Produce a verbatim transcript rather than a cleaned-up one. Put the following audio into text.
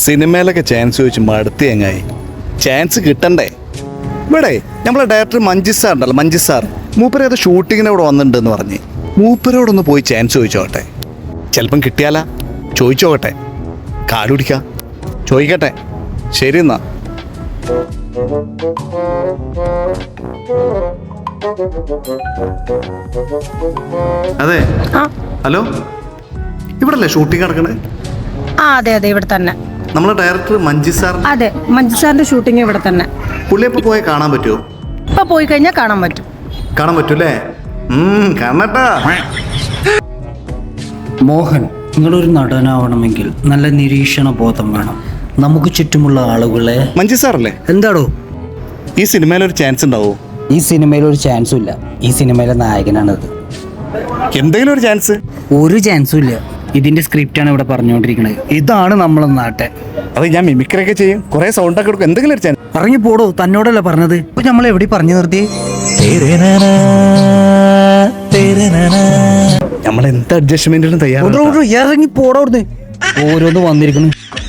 സിനിമയിലൊക്കെ ചാൻസ് ചോദിച്ച് മടുത്തി എങ്ങായി. ചാൻസ് കിട്ടണ്ടേ? ഇവിടെ നമ്മളെ ഡയറക്ടർ മഞ്ജു സാർ ഉണ്ടല്ലോ, മഞ്ജു സാർ മൂപ്പര് അത് ഷൂട്ടിങ്ങിന് ഇവിടെ വന്നിട്ടുണ്ടെന്ന് പറഞ്ഞ് മൂപ്പരോടൊന്ന് പോയി ചാൻസ് ചോദിച്ചോട്ടെ. ചിലപ്പം കിട്ടിയാലാ. ചോദിച്ചോട്ടെ, കാലുടിക്കാം, ചോദിക്കട്ടെ. ശരി എന്നാ. അതെ, ഹലോ, ഇവിടെ അല്ലേ ഷൂട്ടിംഗ് നടക്കണേ? ആ അതെ അതെ, ഇവിടെ തന്നെ. നമ്മളെ ഡയറക്ടർ മഞ്ജു സാർ. അതെ, മഞ്ജു സാറിന്റെ ഷൂട്ടിംഗ് ഇവിടെ തന്നെ. പുള്ളിയപ്പോ പോയി കാണാൻ പറ്റുമോ? ഇപ്പൊ പോയി കഴിഞ്ഞാൽ കാണാൻ പറ്റും. കാണാൻ പറ്റൂല്ലേ? കാണട്ടാ. മോഹൻ, നിങ്ങളൊരു നടനാവണമെങ്കിൽ നല്ല നിരീക്ഷണ ബോധം വേണം. നമുക്ക് ചുറ്റുമുള്ള ആളുകളെ. മഞ്ജു സാറല്ലേ? എന്താടോ? ഈ സിനിമയിൽ ഒരു ചാൻസ് ഉണ്ടാവോ? ഈ സിനിമയിൽ ഒരു ചാൻസും ഇല്ല. ഈ സിനിമയിലെ നായകനാണത്. എന്തെങ്കിലും ഒരു ചാൻസ്? ഒരു ചാൻസും ഇല്ല. ഇതിന്റെ സ്ക്രിപ്റ്റാണ് ഇവിടെ പറഞ്ഞുകൊണ്ടിരിക്കുന്നത്. ഇതാണ് നമ്മളെ നാട്ടെ. അത് ഞാൻ മിമിക്രൊക്കെ ചെയ്യും, കുറെ സൗണ്ട് ഒക്കെ കൊടുക്കും. എന്തെങ്കിലും ഒരു ചാൻസ്. ഇറങ്ങി പോടോ, തന്നോടല്ല പറഞ്ഞത്. ഇപ്പൊ നമ്മൾ എവിടെ പറഞ്ഞു നിർത്തി? നമ്മൾ എന്ത് അഡ്ജസ്റ്റ്മെന്റിനും തയ്യാറാണ്. ഇറങ്ങി പോടോ, ഓരോന്ന് വന്നിരിക്കുന്നു.